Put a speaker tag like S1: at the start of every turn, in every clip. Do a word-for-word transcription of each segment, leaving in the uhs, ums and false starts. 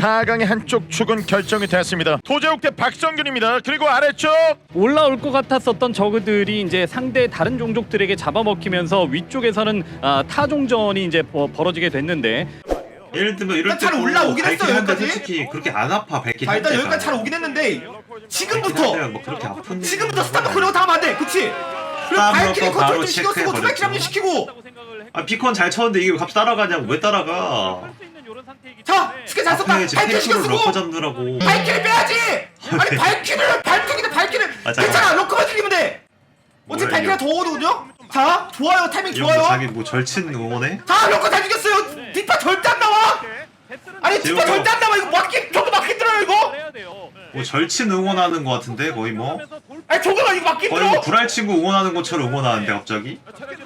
S1: 사 강의 한쪽 축은 결정이 됐습니다. 도재욱 대 박성균입니다. 그리고 아래쪽
S2: 올라올 것 같았었던 저그들이 이제 상대 다른 종족들에게 잡아먹히면서 위쪽에서는 아, 타종전이 이제 버, 벌어지게 됐는데
S3: 예를 들면 이럴
S4: 잘
S3: 때도
S4: 올라오긴 했어,
S3: 발키리 한대
S4: 여기까지.
S3: 솔직히 그렇게 안 아파 발키리
S4: 자 일단
S3: 한
S4: 여기까지 잘
S3: 대가.
S4: 오긴 했는데
S3: 발키리
S4: 지금부터
S3: 한 대가 뭐 그렇게 아픈
S4: 지금부터 스탑 놓고 이러고 다음 안돼 그치? 그리고
S3: 스탑
S4: 발키리
S3: 놓고
S4: 컨트롤
S3: 바로
S4: 좀 신경 쓰고
S3: 체크해버렸죠.
S4: 투백킬 합류시키고
S3: 아 비콘 잘 쳤는데 이게 왜 갑자기 따라가냐고 왜 따라가.
S4: 자 스킬 잘 썼다
S3: 앞에 지금
S4: 발키리 신경
S3: 탱크로
S4: 쓰고
S3: 러커 잡느라고.
S4: 발키리 빼야지! 아니 발키리를 발키리인데 발키리를
S3: 아, 잠깐만.
S4: 괜찮아 럭커만 죽이면 돼 어차피
S3: 뭐야,
S4: 발키리가
S3: 이거.
S4: 더 오거든요? 자 좋아요 타이밍
S3: 이런 거
S4: 좋아요
S3: 자기 뭐 절친 응원해?
S4: 자 럭커 다 죽였어요 뒷파 절대 안 나와 아니 뒷파
S3: 재욱아.
S4: 절대 안 나와 이거 막기 저도 막기 들어요 이거
S3: 뭐 절친 응원하는 거 같은데 거의 뭐
S4: 아니 저거가 이거 막기
S3: 거의 뭐
S4: 들어
S3: 불알 친구 응원하는 것처럼 응원하는데 갑자기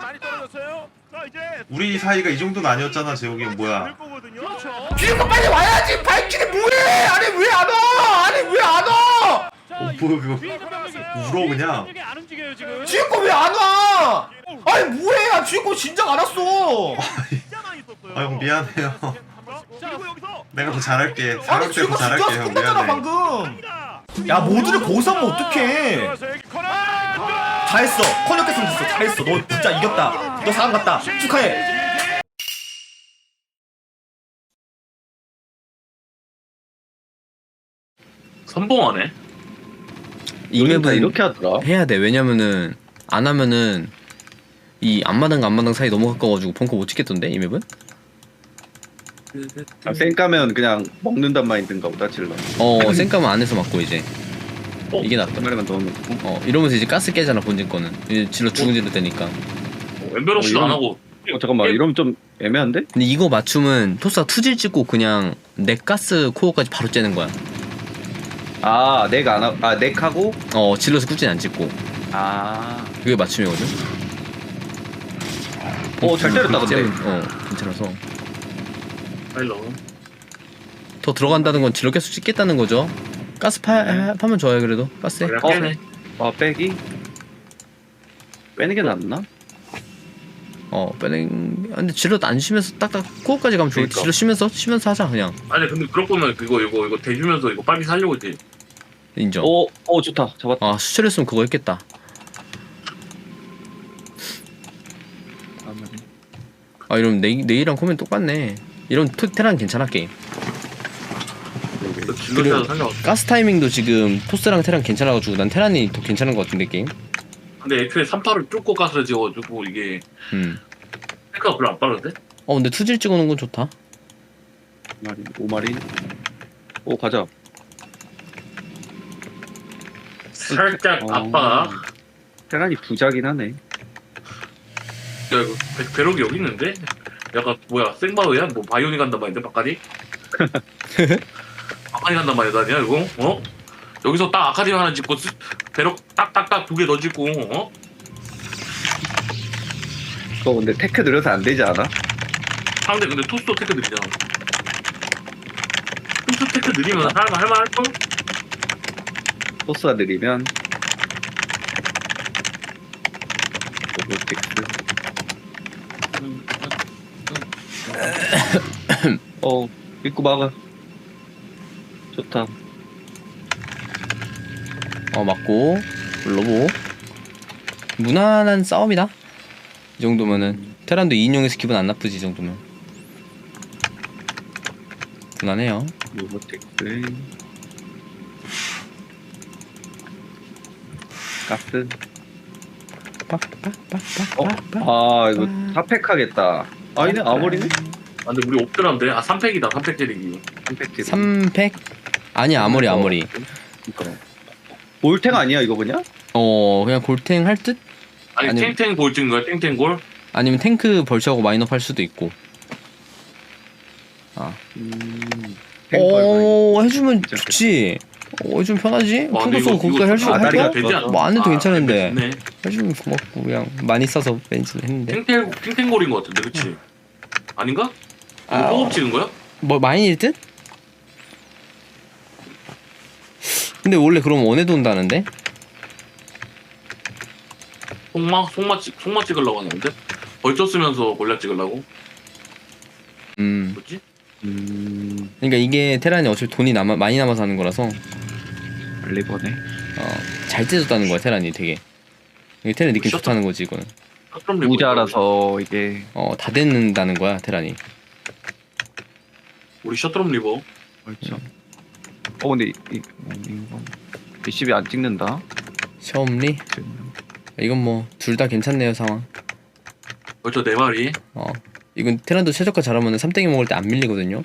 S3: 우리 사이가 이 정도는 아니었잖아 재욱이 형 뭐야.
S4: 뒤에서 빨리 와야지 발키리 뭐해 아니 왜 안 와 아니 왜 안 와
S3: 어 뭐야 그거 울어 그냥.
S4: 뒤에 거 왜 안 와 아니 뭐해 아 뒤에 거 진작 안 왔어
S3: 아 형 미안해요. 내가 더 잘할게.
S4: 아니
S3: 사람
S4: 뒤에
S3: 때더
S4: 거 진작
S3: 잘할게
S4: 와서
S3: 형
S4: 끝났잖아
S3: 미안해.
S4: 방금 야 모두를 거기서 하면 어떡해 잘했어 컨역했으면 됐어 잘했어 너 진짜 이겼다 너 사람 같다 축하해
S5: 선봉하네.
S6: 이 맵은
S7: 이렇게 하더라.
S6: 해야 돼. 왜냐면은 안 하면은 이 앞마당과 앞마당 사이 너무 가까워가지고 벙커 못 찍겠던데 이 맵은?
S7: 아, 쌩 까면 그냥 먹는단 마인드인가 보다 질러.
S6: 어 쌩까면 안에서 맞고 이제
S5: 어?
S6: 이게 낫다.
S7: 한 마리만 더 넣고.
S6: 어 이러면서 이제 가스 깨잖아 본진 거는. 이제 질러 죽은 질러 되니까.
S5: 엠베러시도
S7: 어, 이건-
S5: 안 하고.
S7: 어 잠깐만 이러면 좀 애매한데?
S6: 근데 이거 맞춤은 토스가 투질 찍고 그냥 넥 가스 코어까지 바로 째는 거야.
S7: 아 넥 안 하, 아 넥하고
S6: 어 질러서 꾸진 안 찍고
S7: 아.
S6: 그게 맞춤이거든.
S7: 어, 잘 때렸다, 근데.
S6: 째면- 어 괜찮아서
S5: 파일러.
S6: 더 들어간다는 건 질러 계속 찍겠다는 거죠. 가스 파 파면 좋아요 그래도 가스에.
S5: 그냥
S7: 어.
S5: 깨네.
S7: 아 빼기? 빼는 게 낫나?
S6: 어 빼는. 근데 질러 안 쉬면서 딱딱 코어까지 가면 좋을 때
S7: 그러니까.
S6: 질러 쉬면서 쉬면서 하자 그냥.
S5: 아니 근데 그럴 거면 그거 이거 이거 대주면서 이거 빨리 살려고 했지.
S6: 인정.
S7: 오, 오 좋다 잡았다.
S6: 아 수철했으면 그거 했겠다. 아 이러면 내, 내일이랑 코멘 똑같네. 이런 토, 테란 괜찮아 게임.
S5: 그 질러서 살려.
S6: 가스 타이밍도 지금 토스랑 테란 괜찮아가지고 난 테란이 더 괜찮은 것 같은데 게임.
S5: 근데 애초에 삼파를 쫓고 가서 지어가지고 이게
S6: 음.
S5: 생각가 별로 안 빠른데?
S6: 어 근데 투질 찍어놓은 건 좋다.
S7: 마리, 오 마리. 오 가자.
S5: 살짝
S7: 어.
S5: 아빠가
S7: 테란이 부자긴 하네.
S5: 야 이거 배, 배럭이 여기 있는데? 약간 뭐야 생바우야? 뭐 바이오니 간단 말인데 바까디? 바까디 간단 말이야 아니야 이거? 어? 여기서 딱 아카디 하나 짓고 쓰- 배럭 딱딱딱 두 개 더 짓고 어?
S7: 그거 근데 테크 느려서 안 되지 않아?
S5: 상대 근데 토스도 테크 느리잖아. 토스 테크 느리면 할만 할만 할걸?
S7: 토스가 느리면 로보틱스. 어 입구 막아. 좋다.
S6: 어 맞고 로보. 무난한 싸움이다. 이 정도면은 테란도 이 인용해서 기분 안 나쁘지 이 정도면. 무난해요.
S7: 로보틱스. 가스. 어? 아 이거 사팩 하겠다. 아니네 아머리네.
S5: 아 근데 우리 옵드란데? 아 삼 팩이다 삼 팩 때리기.
S7: 삼팩
S6: 삼 팩? 아니 아무리 아무리.
S7: 볼탱 아니야 이거 그냥?
S6: 어 그냥 골탱 할 듯?
S5: 아니
S6: 아니,
S5: 탱탱 볼 찍는 거야 탱탱골?
S6: 아니면 탱크 벌처하고 마인업 할 수도 있고. 아.
S7: 음.
S6: 어 해주면
S7: 진짜
S6: 좋지. 어 해주면 편하지.
S5: 와, 근데
S6: 평소
S5: 이거-
S6: 거기까지
S5: 이거
S6: 할수
S7: 아다리가
S6: 할까?
S5: 되지 않아?
S6: 뭐 안 해도
S5: 아,
S6: 괜찮은데.
S5: 좋네.
S6: 해주면 고맙고 그냥 많이 써서 벤치를 했는데.
S5: 탱탱 탱탱골인 거 같은데 그치? 아닌가? 이거
S6: 아,
S5: 호흡 찍은 거야?
S6: 뭐 마인일 듯? 근데 원래 그럼 원해도 온다는데?
S5: 속마 속마 찍 속마 찍으려고 하는데 벌써 쓰면서 골략 찍으려고?
S6: 음
S5: 뭐지?
S7: 음.
S6: 그러니까 이게 테란이 어차피 돈이 남아 많이 남아서 하는 거라서
S7: 리버네.
S6: 어잘 째졌다는 거야 테란이 되게. 이게 테란 느낌
S5: 셔터-
S6: 좋다는 거지 이거는.
S5: 그럼
S7: 무자라서 이게
S6: 어다 됐는다는 거야 테란이.
S5: 우리 셔트럼 리버.
S7: 그렇죠. 어 근데 이, 이 이거 리시비 안 찍는다.
S6: 셔엄리 이건 뭐 둘 다 괜찮네요 상황.
S5: 벌써 네 마리.
S6: 어 이건 테란도 최저가 잘하면 삼땡이 먹을 때 안 밀리거든요.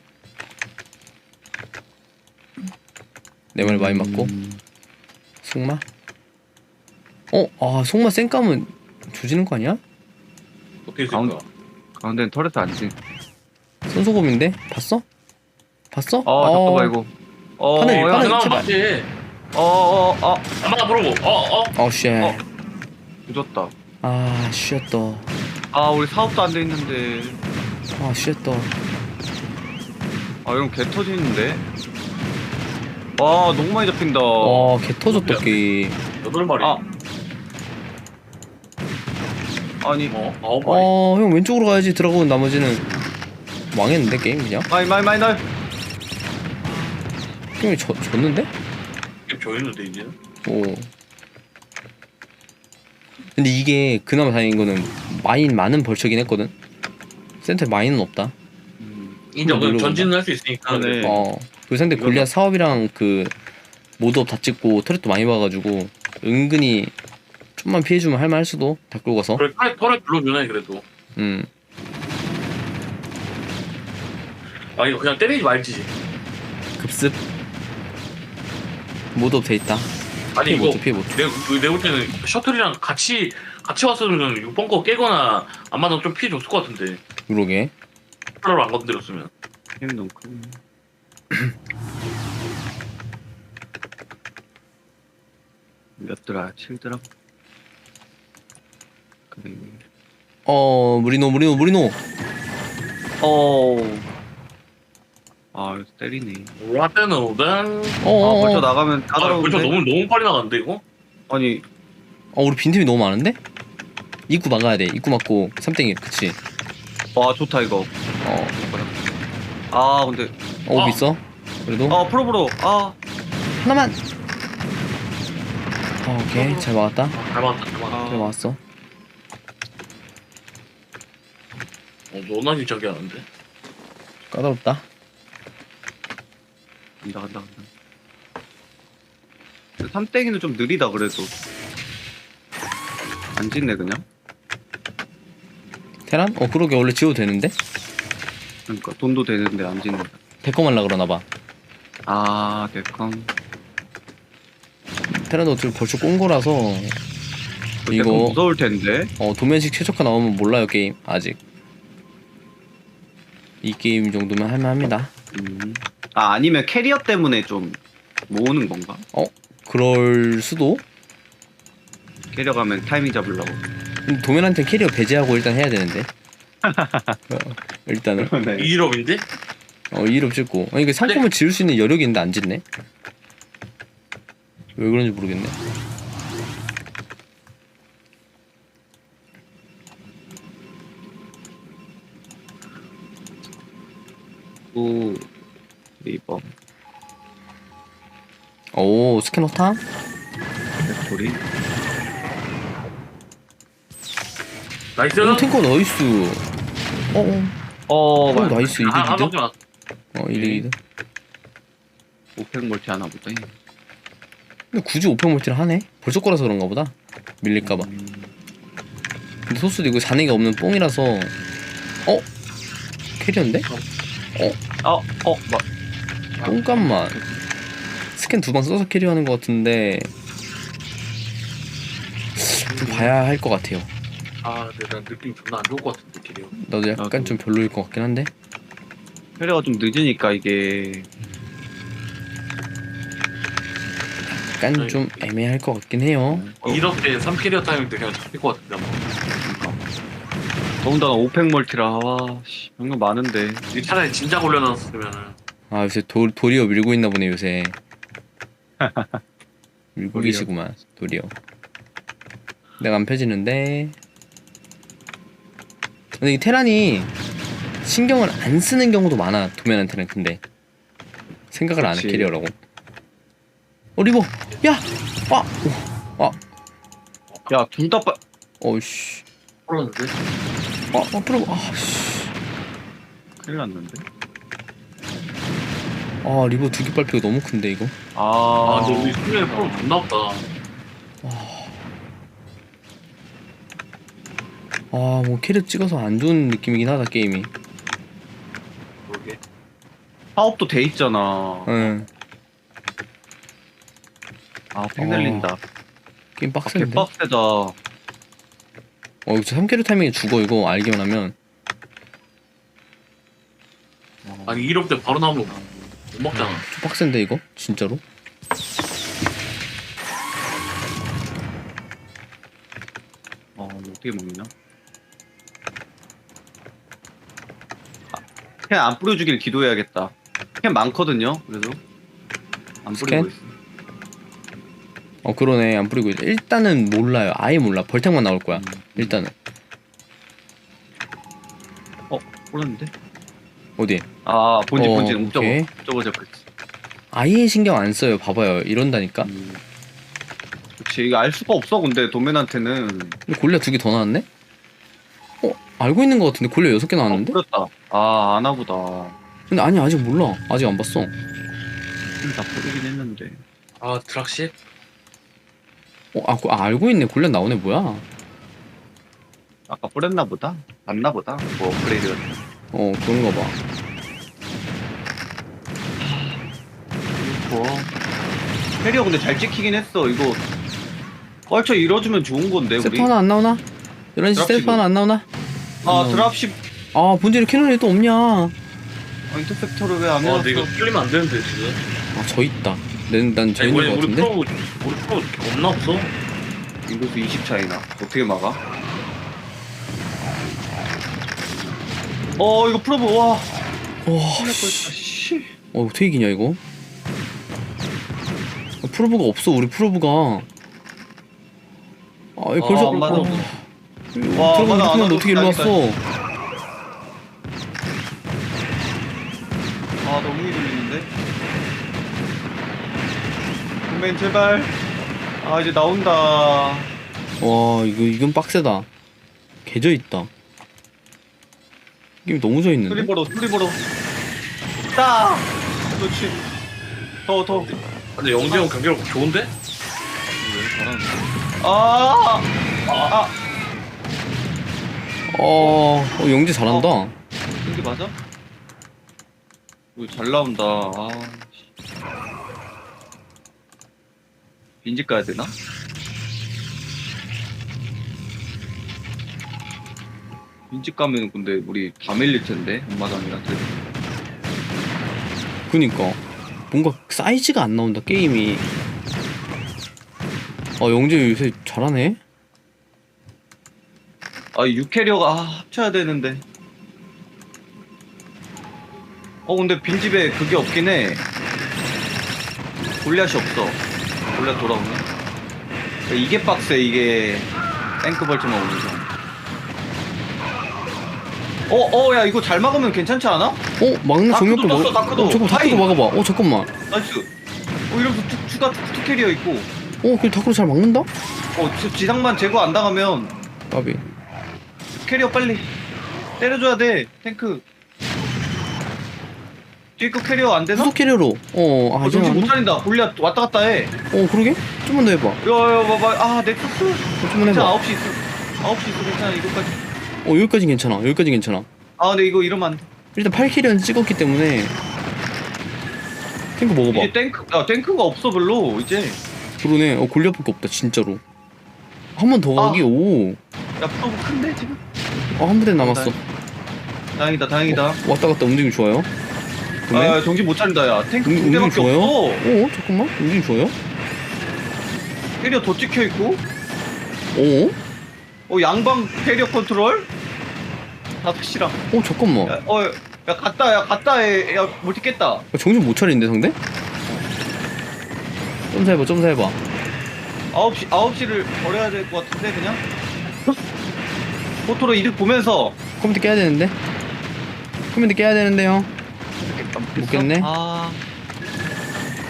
S6: 네 마리 많이 맞고.
S7: 음,
S6: 속마? 어? 아 속마 쌩까면 조지는 거 아니야?
S5: 어떻게
S7: 가운-
S5: 생각?
S7: 가운데는 터렛 안 찍.
S6: 손소금인데? 봤어? 봤어?
S7: 어 잠깐만 이거. 어
S6: 하늘,
S7: 야,
S6: 하늘.
S5: 그나마
S6: 제발.
S5: 맞지.
S7: 어어 어.
S5: 아마 부르고. 어 어.
S6: 어 쉣.
S7: 어. 늦었다.
S6: 아 쉣더.
S7: 아 우리 사업도 안 돼 있는데.
S6: 아 쉣더.
S7: 아 이런 개 터지는데. 와 너무 많이 잡힌다.
S6: 어 개 터졌다 게임.
S5: 여덟 마리.
S7: 아. 아니
S5: 어 아홉 마리.
S6: 어 형 왼쪽으로 가야지. 들어가고 나머지는 망했는데 게임 그냥.
S7: 마이 마이 마이 날.
S6: 형이 졌, 졌는데?
S5: 이게 벼있는데 이제.
S6: 오. 근데 이게 그나마 다행인 거는 마인 많은 벌처긴 했거든. 센터에 마인은 없다.
S5: 인정. 그럼
S6: 물어본다.
S5: 전진은 할 수 있으니까.
S7: 네.
S6: 어. 그 상대 골리앗 사업이랑 그 모드업 다 찍고 터렛도 많이 봐가지고 은근히 좀만 피해주면 할만할 수도. 다 끌고 가서.
S5: 그래 털에 털에 불러주네 그래도.
S6: 음.
S5: 아 이거 그냥 때리지 말지.
S6: 급습. 모드업 돼 있다.
S5: 아니
S6: 피해
S5: 이거
S6: 못해 피해 못해.
S5: 내 내볼 때는 셔틀이랑 같이 같이 왔으면 육 번 거 깨거나 안 맞으면 좀 피해 줬을 것 같은데.
S6: 그러게.
S5: 컬러를 안 건드렸으면.
S7: 힘 너무 큰. 몇 드라? 칠 드라? 그래.
S6: 어 무리노 무리노 무리노.
S7: 어. 아 이거 때리네.
S5: 라떼노단.
S7: 아
S6: 어어어.
S7: 벌써 나가면 다
S5: 아
S7: 들어오는데.
S5: 벌써 너무 너무 빨리 나갔는데 이거?
S7: 아니
S6: 어 우리 빈틈이 너무 많은데? 입구 막아야 돼. 입구 막고 삼땡이 그치.
S7: 와 좋다 이거.
S6: 어.
S7: 아 근데
S6: 어
S5: 아.
S6: 있어? 그래도
S7: 아 프로브로 아
S6: 하나만. 어, 오케이 잘 막았다.
S5: 잘 맞았다 잘 맞았다.
S6: 잘 막았어.
S5: 어 너나 진짜 하는데.
S6: 까다롭다.
S7: 간다 간다 간다. 근데 삼땡이는 좀 느리다 그래도. 안 짓네 그냥.
S6: 테란? 어 그러게 원래 지워도 되는데?
S7: 그러니까 돈도 되는데 안 짓는다.
S6: 데컴 하려 그러나봐.
S7: 아 대강.
S6: 테란도 어차피 벌써 꼰 거라서
S7: 이거
S6: 이거
S7: 무서울 텐데.
S6: 어 도면식 최저가 나오면 몰라요 게임 아직. 이 게임 정도면 할만합니다.
S7: 음. 아 아니면 캐리어 때문에 좀 모으는 건가?
S6: 그럴 수도.
S7: 캐리어 가면 타이밍 잡으려고.
S6: 근데 도면한테 캐리어 배제하고 일단 해야 되는데. 어, 일단은
S7: 네.
S5: 이일업인데?
S6: 어 이름 찍고. 아니 이게 상품을 지을 수 있는 여력이 있는데 안 짓네. 왜 그런지 모르겠네.
S7: 오 리버
S6: 오 스캐너 타?
S7: 소리.
S5: 나이스.
S6: 오 탱커 나이스. 어어
S7: 어
S6: 어,
S7: 맞아.
S6: 나이스 이득
S5: 아, 한
S6: 이득.
S5: 바퀴만.
S6: 어 이득 이득.
S7: 오펙 멀티 하나 보다.
S6: 근데 굳이 오펜 멀티를 하네? 벌써 거라서 그런가 보다. 밀릴까봐. 근데 소스도 이거 잔해가 없는 뽕이라서. 어? 캐리어인데?
S7: 어어 뭐.
S6: 뽕값만. 스캔 두 방 써서 캐리어하는 것 같은데 좀 봐야 할 것 같아요.
S5: 아 근데 난 느낌 존나 안 좋을 것 같은데 길이요.
S6: 나도 약간
S7: 나도.
S6: 좀 별로일 것 같긴 한데.
S7: 캐리어가 좀 늦으니까 이게
S6: 약간 좀 애매할 것 같긴 해요.
S5: 이럴 때 삼 캐리어 타이밍 때 그냥 잡힐 것 같은데 아마.
S7: 더군다나 오펙 멀티라 와 씨, 이거 많은데.
S5: 이 차라리 진작 올려놨으면은.
S6: 아 요새 도, 도리어 밀고 있나 보네 요새. 밀고
S7: 도리어.
S6: 계시구만 도리어. 내가 안 펴지는데. 근데 이 테란이 신경을 안 쓰는 경우도 많아 도면한테는. 근데 생각을 안 해
S7: 그치.
S6: 캐리어라고. 어 리버 야! 아! 아!
S7: 야, 둘 다 빠.
S6: 어이씨
S5: 풀었는데.
S6: 아! 아 프로 아씨
S7: 큰일 났는데.
S6: 아 리버 두 개 빨피가 너무 큰데 이거.
S5: 아,
S7: 아,
S5: 근데 우리 수면에 풀어 존나 없다.
S6: 아 뭐 캐리어 찍어서 안 좋은 느낌이긴 하다 게임이.
S5: 그러게.
S7: 파업도 돼 있잖아.
S6: 응
S7: 아, 팽 날린다.
S6: 게임
S7: 아,
S6: 빡센데.
S7: 개빡세다.
S6: 어 이거 삼 캐리어 타이밍에 죽어 이거 알기만 하면.
S5: 아니 이럴 때 바로 나오면 못 먹잖아.
S6: 좀 빡센데 이거 진짜로.
S7: 어, 이거 어떻게 먹냐? 아, 캔 안 뿌려주길 기도해야겠다. 캔 많거든요, 그래도. 안 뿌리고
S6: 스캔?
S7: 있어.
S6: 어 그러네 안 뿌리고 있- 일단은 몰라요 아예 몰라 벌탱만 나올 거야 일단은.
S7: 어, 뿌렸는데?
S6: 어디
S7: 아, 본진,
S6: 어,
S7: 본진. 옵저버.
S6: 오케이.
S7: 옵저버 잡혔지.
S6: 아예 신경 안 써요 봐봐요 이런다니까.
S7: 음. 그치, 이거 알 수가 없어, 근데, 도맨한테는.
S6: 근데 골리앗 두 개 더 나왔네? 어 알고 있는 거 같은데 골리앗 여섯 개
S7: 아,
S6: 나왔는데?
S7: 뿌렸다. 아, 아나보다.
S6: 근데 아니 아직 몰라 아직 안 봤어.
S7: 다 뿌리긴 했는데.
S5: 아 드락시?
S6: 어 아, 고- 아 알고 있네 골리앗 나오네 뭐야.
S7: 아까 뿌렸나 보다? 맞나 보다? 뭐, 업그레이드.
S6: 어 그런가 봐.
S7: 뭐. 캐리어 근데 잘 찍히긴 했어. 이거 껄쳐 이뤄주면 좋은 건데, 우리.
S6: 세트 하나 안 나오나? 열한 시 세트
S7: 드랍십은?
S6: 하나 안 나오나?
S7: 아, 드랍십.
S6: 아 본질에 캐논이 또 없냐. 아
S7: 아, 인터셉터를 왜 안
S5: 아
S7: 해놨어?
S5: 근데 이거 뚫리면 안 되는데 지금.
S6: 저 있다. 난난저
S5: 아니,
S6: 있는
S5: 우리
S6: 거
S5: 우리
S6: 같은데?
S5: 프로 우리 프로 없나 없어?
S7: 인구수 이십 차이나. 어떻게 막아? 어, 이거 프로브, 와.
S6: 와
S7: 큰일 날 뻔했다, 씨.
S6: 어 어떻게 이기냐 이거? 아, 프로브가 없어 우리 프로브가. 아 이거
S7: 아,
S6: 벌써
S7: 안 맞아.
S6: 어,
S7: 와,
S6: 들어가면
S7: 맞아, 안
S6: 이렇게
S7: 와도
S6: 어떻게 일로
S7: 딱이다.
S6: 왔어?
S7: 아, 너무 이돌리는데? 도맨, 제발. 아, 이제 나온다.
S6: 와 이거 이건 빡세다. 개져 있다. 게임 너무 져 있는데?
S7: 수리버로, 수리버로. 딱! 그렇지. 더, 더.
S5: 근데 영재 형 경기력 좋은데?
S7: 아! 아!
S6: 어, 어 영재 잘한다.
S7: 이게 맞아? 이거 잘 나온다. 아. 씨. 빈집 가야 되나? 빈집 가면 근데 우리 다 밀릴 텐데 엄마당이랑 들.
S6: 그니까 뭔가 사이즈가 안 나온다 게임이. 아 영재 요새 잘하네.
S7: 아, 육 캐리어가 아, 합쳐야 되는데. 어, 근데 빈집에 그게 없긴 해. 골리앗이 없어. 골리앗 돌아오네. 이게 빡세, 이게. 탱크 벌트만 오면서. 어, 어, 야, 이거 잘 막으면 괜찮지 않아?
S6: 어 막내
S7: 다크도
S6: 정력도
S7: 떴어,
S6: 막.
S7: 다크도.
S6: 어 잠깐 다크도
S7: 하인.
S6: 막아봐. 어 잠깐만.
S7: 나이스. 어, 이러면서 투, 추가 투, 투 캐리어 있고.
S6: 어 그 다크로 잘 막는다?
S7: 어, 지- 지상만 제거 안 당하면
S6: 까비.
S7: 캐리어 빨리 때려줘야 돼, 탱크. 뒤에 거 캐리어 안 되나?
S6: 후속 캐리어로. 어아
S7: 어,
S6: 이제
S7: 정신 못
S6: 안.
S7: 차린다. 골리앗 왔다 갔다 해.
S6: 어 그러게? 좀만 더 해봐.
S7: 야, 야, 봐봐. 아, 넥서스.
S6: 어, 좀만
S7: 괜찮아,
S6: 해봐.
S7: 아홉 시 있어. 아홉 시 있어, 괜찮아, 이거까지.
S6: 어 여기까지 괜찮아. 여기까지 괜찮아.
S7: 아, 근데 이거 이러면 안 돼.
S6: 일단 팔 캐리어는 찍었기 때문에. 탱크 먹어봐.
S7: 이제 탱크, 야, 탱크가 없어, 별로, 이제.
S6: 그러네. 어 골리앗밖에 없다 진짜로. 한 번 더
S7: 아.
S6: 가기. 오.
S7: 야, 프로브 큰데, 지금?
S6: 어한 부대 남았어.
S7: 다행이다, 다행이다.
S6: 어, 왔다 갔다 움직임 좋아요. 그러네.
S7: 아, 정신 못 차린다, 야. 탱크
S6: 음,
S7: 두
S6: 움직임
S7: 대밖에
S6: 좋아요?
S7: 없어.
S6: 어 잠깐만. 움직임 좋아요?
S7: 캐리어 더 찍혀있고.
S6: 어?
S7: 어, 양방 캐리어 컨트롤? 다섯 시랑.
S6: 어 잠깐만.
S7: 야, 어, 야, 갔다, 야, 갔다 해. 야, 멀티 깼다.
S6: 야, 정신 못 차리는데 상대? 점사 해봐 점사 해봐.
S7: 아홉 시, 아홉 시를 버려야 될 것 같은데, 그냥? 포토로 이득 보면서.
S6: 컴퓨터 깨야 되는데? 컴퓨터 깨야 되는데요. 못 깼네.
S7: 아,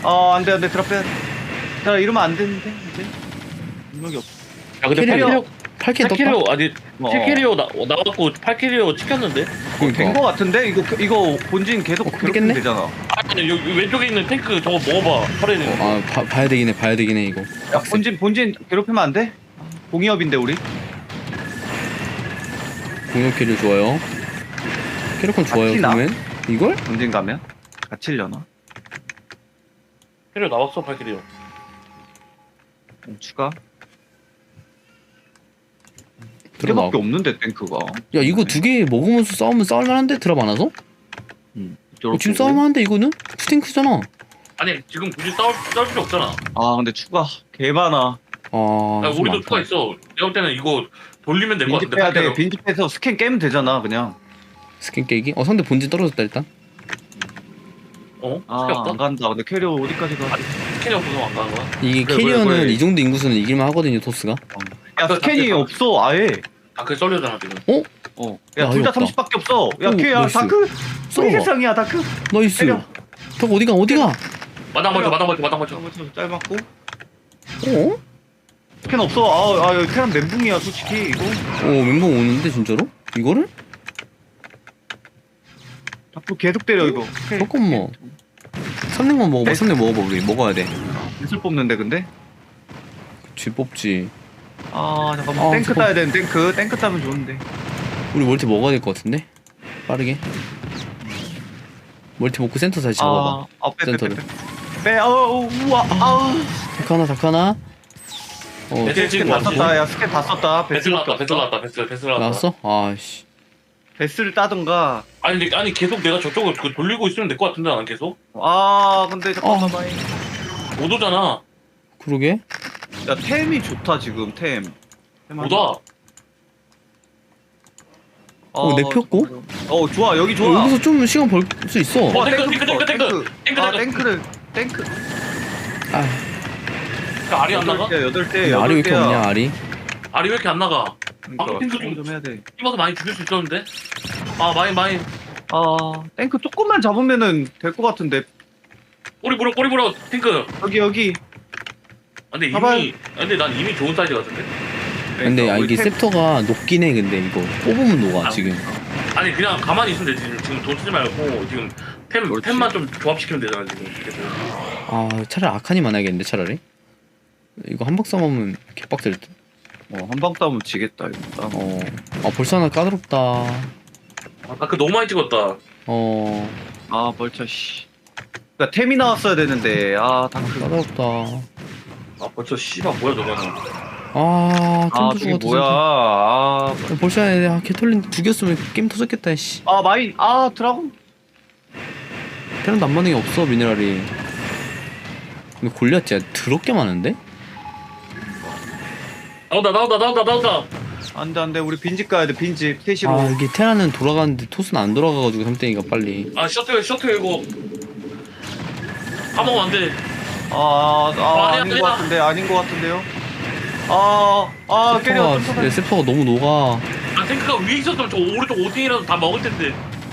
S7: 어 안돼 안돼 드랍 빼야 돼. 자 이러면 안 되는데 이제 능력이 없어.
S5: 야 근데
S6: 캐리어.
S5: 팔
S6: 팔 킬 떴다?
S5: 캐리어 아니
S7: 어.
S5: 칠 캐리어 나 나왔고 팔 캐리어 찍혔는데.
S6: 그러니까.
S7: 된 거 같은데 이거 이거 본진 계속
S6: 어,
S7: 괴롭히면
S6: 그랬겠네?
S7: 되잖아.
S5: 아니 여기 왼쪽에 있는 탱크 저거 먹어봐. 팔에는.
S6: 아 봐, 봐야 되긴 해 봐야 되긴 해 이거.
S7: 야 본진 본진 괴롭히면 안 돼? 공이업인데 우리.
S6: 공격 캐리어 좋아요. 캐리어콘 좋아요
S7: 같이 나?
S6: 그러면 이걸?
S7: 본진 가면 갇히려나?
S5: 캐리어 나왔어 팔 캐리어.
S7: 음, 추가.
S6: 들어봐.
S7: 밖에 없는데 탱크가.
S6: 야 이거 두 개 먹으면서 싸우면 싸울만한데 드랍 안 와서?
S7: 음.
S6: 어, 지금 싸울만한데 이거는? 투탱크잖아.
S5: 아니 지금 굳이 싸울 싸울 필요 없잖아.
S7: 아 근데 추가 개 많아.
S6: 아
S5: 야,
S6: 좀
S5: 우리도
S6: 많다.
S5: 추가 있어. 내가 볼 때는 이거 돌리면 될 것 같은데.
S7: 빈집해야
S5: 팔
S7: 돼.
S5: 캐리어.
S7: 빈집해서 스캔 깨면 되잖아 그냥.
S6: 스킨 깨기? 어 상대 본진 떨어졌다 일단.
S5: 어?
S7: 아
S5: 스킬
S7: 안
S5: 없다?
S7: 간다. 근데 캐리어 어디까지 가?
S5: 캐리어 없어서 안 가는 거야?
S6: 이게
S7: 그래,
S6: 캐리어는
S7: 그래, 그래.
S6: 이 정도 인구수는 이길만 하거든요 토스가.
S7: 야 스캔이
S5: 아,
S7: 없어 아예.
S5: 다크 썰려잖아 지금.
S7: 어.
S6: 야,
S7: 야 둘 다
S6: 어이없다.
S7: 삼십밖에 없어. 야
S6: 오,
S7: 걔야
S6: 나이스.
S7: 다크.
S6: 썰어.
S7: 우리 세상이야 다크.
S6: 나이스.
S7: 때려.
S6: 덕 어디가 어디가?
S5: 마당 맞춰 마당 맞춰 마당 맞춰.
S7: 짧았고.
S6: 어?
S7: 스캔 없어. 아, 아 여기 캐란 멘붕이야 솔직히 이거.
S6: 어 멘붕 오는데 진짜로? 이거를?
S7: 앞으로 계속 때려 이거.
S6: 잠깐만. 삼냉만 먹어봐.
S7: 네.
S6: 삼냉 먹어봐 우리 먹어야 돼.
S7: 술 뽑는데 근데.
S6: 쥐 뽑지.
S7: 아 잠깐만
S6: 아,
S7: 탱크
S6: 잠깐-
S7: 따야 되는 탱크. 탱크 따면 좋은데.
S6: 우리 멀티 먹어야 될 것 같은데? 빠르게. 멀티 먹고 센터 다시 잡아봐.
S7: 아, 빼, 빼, 빼,
S6: 센터를.
S7: 빼. 빼. 어, 우와. 아.
S6: 다크 하나 다크 하나. 어
S5: 네.
S7: 스캔
S5: 지금
S7: 다
S5: 왔어.
S7: 썼다. 야 스캔 다 썼다.
S5: 베슬 나왔다 베슬 나왔다 베슬 베슬 나왔다.
S6: 나왔어? 아씨.
S7: 베스를 따든가.
S5: 아니 근데 아니 계속 내가 저쪽을 그 돌리고 있으면 될 것 같은데 난 계속
S7: 아 근데 잠깐만.
S6: 어.
S5: 못 오잖아.
S6: 그러게.
S7: 야 템이 좋다 지금 템. 템
S5: 못 와.
S6: 어, 내 폈고?
S7: 어 좋아 여기 좋아.
S6: 어, 여기서 좀 시간 벌 수 있어.
S5: 어, 탱크,
S7: 탱크,
S5: 탱크, 탱크, 탱크. 탱크,
S7: 아
S5: 탱크.
S7: 탱크를 탱크.
S6: 아,
S5: 그 알이 안 나가?
S7: 여덟 대 여덟 대.
S6: 알이 왜 이렇게 없냐 알이?
S5: 알이 왜 이렇게 안 나가? 아, 탱크
S7: 탱크
S5: 좀-
S7: 좀 해야 돼.
S5: 힘어서 많이 죽일 수 있었는데. 아 많이 많이.
S7: 아 탱크 조금만 잡으면은 될 것 같은데.
S5: 꼬리 물어 꼬리 물어 탱크.
S7: 여기 여기.
S5: 아, 근데
S7: 봐봐요.
S5: 이미 아, 근데 난 이미 좋은 사이즈 같은데.
S6: 근데 아,
S7: 우리
S6: 이게
S7: 탱-
S6: 셉터가 녹긴 해 근데 이거 뽑으면 녹아
S5: 아,
S6: 지금.
S5: 아니 그냥 가만히 있으면 되지. 지금, 지금 돈 쓰지 말고 지금 템
S7: 그렇지.
S5: 템만 좀 조합시키면 되잖아 지금. 계속.
S6: 아 차라리 아칸이 많아야겠는데 차라리. 이거 한박 싸움하면 개빡들 듯.
S7: 어 한방 싸우면 지겠다 이거.
S6: 어. 아 벌써 하나 까다롭다.
S5: 아까 그 너무 많이 찍었다.
S6: 어.
S7: 아 벌써 씨. 그니까 템이 나왔어야 되는데 아 다크.
S6: 까다롭다.
S5: 아 벌써 씨발 뭐야 저거는.
S6: 아
S7: 아
S6: 템도
S7: 저게
S6: 죽었다.
S7: 뭐야? 아,
S6: 진짜. 벌써 해야 아 개털린 죽였으면 게임 터졌겠다 씨.
S7: 아 마인 아 드라곤.
S6: 테란도 안 맞는 게 없어 미네랄이. 근데 골리앗 진짜 더럽게 많은데?
S5: 나온다 나온다 나온다 나온다.
S7: 안돼 안돼 우리 빈집 가야 돼 빈집 셋시로.
S6: 아 이게 테란은 돌아가는데 토스는 안 돌아가가지고 삼땡이가 빨리.
S5: 아 셔틀 셔틀 이거. 까먹으면 안 돼.
S7: 아, 아,
S5: 아, 아니야,
S7: 아닌 것
S5: 아니야.
S7: 같은데 아닌 것 같은데요. 아, 아 깨려.
S6: 세퍼가 내 세퍼가 너무 녹아.
S5: 아 탱크가 위에 있었으면 저 오른쪽 오팅이라도 다 먹을 텐데.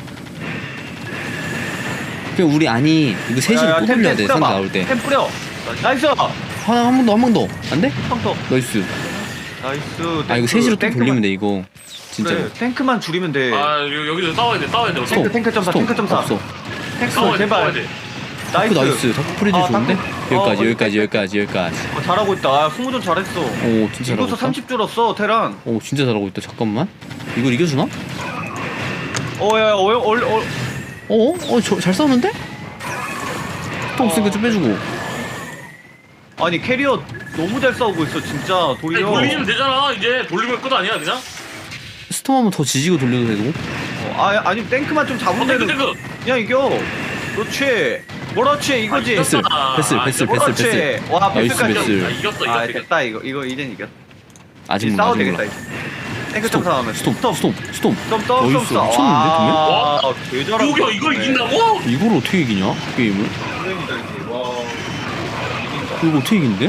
S6: 그냥 우리 아니 이거 셋이를 또 돌려야 돼 상대 나올 때.
S7: 템 뿌려. 나이스.
S6: 하나 한 번 더 한 번 더. 안 돼?
S7: 펑터.
S6: 나이스.
S7: 나이스.
S6: 아 이거 셋이로 또 돌리면 돼 이거. 진짜로.
S7: 그래, 탱크만 줄이면 돼.
S5: 아 여- 여기서 싸워야 돼 싸워야 돼.
S7: 탱크,
S5: 어떡해.
S7: 탱크 점사,
S6: 스톱.
S7: 탱크 점사.
S6: 없어.
S7: 탱크
S5: 싸워야 돼 싸워야
S7: 제발.
S5: 돼.
S6: 다크
S7: 나이스.
S6: 나이스. 다크 프리즈
S7: 아,
S6: 좋은데?
S7: 다크.
S6: 여기까지
S7: 어,
S6: 여기까지 여기까지 여기까지.
S7: 어, 잘하고 있다. 아, 스무전 잘했어.
S6: 오 진짜 잘하고
S7: 이곳서
S6: 있다.
S7: 삼십 줄었어 테란.
S6: 오 진짜 잘하고 있다. 잠깐만. 이걸 이겨주나?
S7: 어야 어, 어, 어,
S6: 어? 어? 저, 잘 싸우는데? 또 없으니까 좀 빼주고.
S7: 아니 캐리어 너무 잘 싸우고 있어 진짜
S5: 아니,
S7: 돌려.
S5: 돌리면 되잖아 이제 돌리면 끝 아니야 그냥?
S6: 스톰 한번 더 지지고 돌려도 되고.
S7: 어, 아 아니 탱크만 좀
S5: 어
S7: 잡으면
S5: 탱크
S7: 되는.
S5: 탱크.
S7: 그냥 이겨. 그렇지. 그렇지 이거지.
S5: 아,
S6: 베슬
S5: 이겼다.
S6: 베슬
S5: 아,
S6: 베슬
S5: 이거
S6: 베슬 베슬.
S7: 그렇지. 와
S6: 나이스,
S7: 베스까지.
S6: 베슬.
S5: 아 이겼어
S7: 아
S5: 이겼어 이겼어.
S7: 됐다 이거 이거 이젠 이겼.
S6: 아직
S7: 이제
S6: 몰라
S7: 싸워도
S6: 아직
S7: 되겠다
S6: 몰라.
S7: 이제. 탱크
S6: 스톰
S7: 점사 하면
S6: 스톰 스톰 스톰 스톰.
S7: 좀 떠, 좀
S6: 어딨어?
S7: 싸.
S6: 미쳤는데,
S7: 와, 개 잘한다.
S5: 여기야 이걸 이긴다고?
S6: 이걸 어떻게 이기냐? 게임을?
S7: 게임이다, 이게. 와.
S6: 이거 어떻게 이긴대?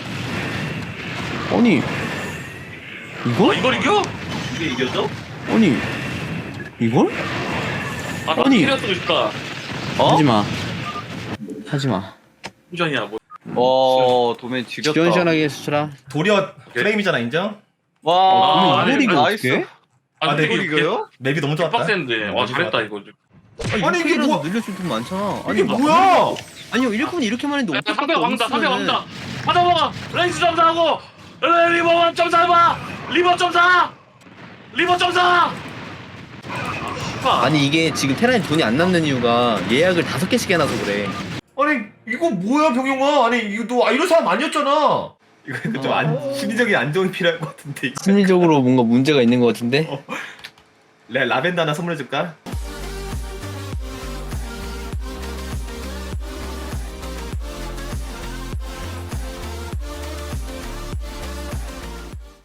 S6: 아니 이거?
S5: 아 이걸 이겨?
S7: 이게 이겼어?
S6: 아니 이걸?
S5: 아나
S6: 아니.
S5: 캐리어 쓰고 싶다.
S7: 어?
S6: 하지마 하지마
S5: 후전이야 뭐.
S7: 어 도면 지렸다.
S6: 시원시원하게 수출아.
S4: 도리어 프레임이잖아 인정?
S7: 와
S5: 아, 아니,
S7: 이걸
S5: 이거
S7: 나이스.
S5: 아 근데
S4: 네,
S5: 이거
S7: 이거요?
S4: 맵이 너무 좋았다.
S5: 빡센데. 와 잘했다 이거.
S4: 아니, 이게 뭐-
S6: 늘렸을 돈 많잖아.
S4: 이게 뭐야?
S6: 아니요 일꾼 이렇게만 했는데
S5: 야, 상대 왕다 상대 왕다. 받아먹어. 레이스 점사하고 리버 점사해봐. 리버 점사. 리버 점사.
S6: 아니 이게 지금 테란이 돈이 안 남는 이유가 예약을 다섯 개씩 해놔서 그래.
S4: 아니 이거 뭐야 병용아? 아니 이거 너 아, 이런 사람 아니었잖아. 이거 근데 좀 안, 심리적인 안정이 필요할 것 같은데. 이거.
S6: 심리적으로 뭔가 문제가 있는 것 같은데.
S4: 라, 라벤더 하나 선물해줄까?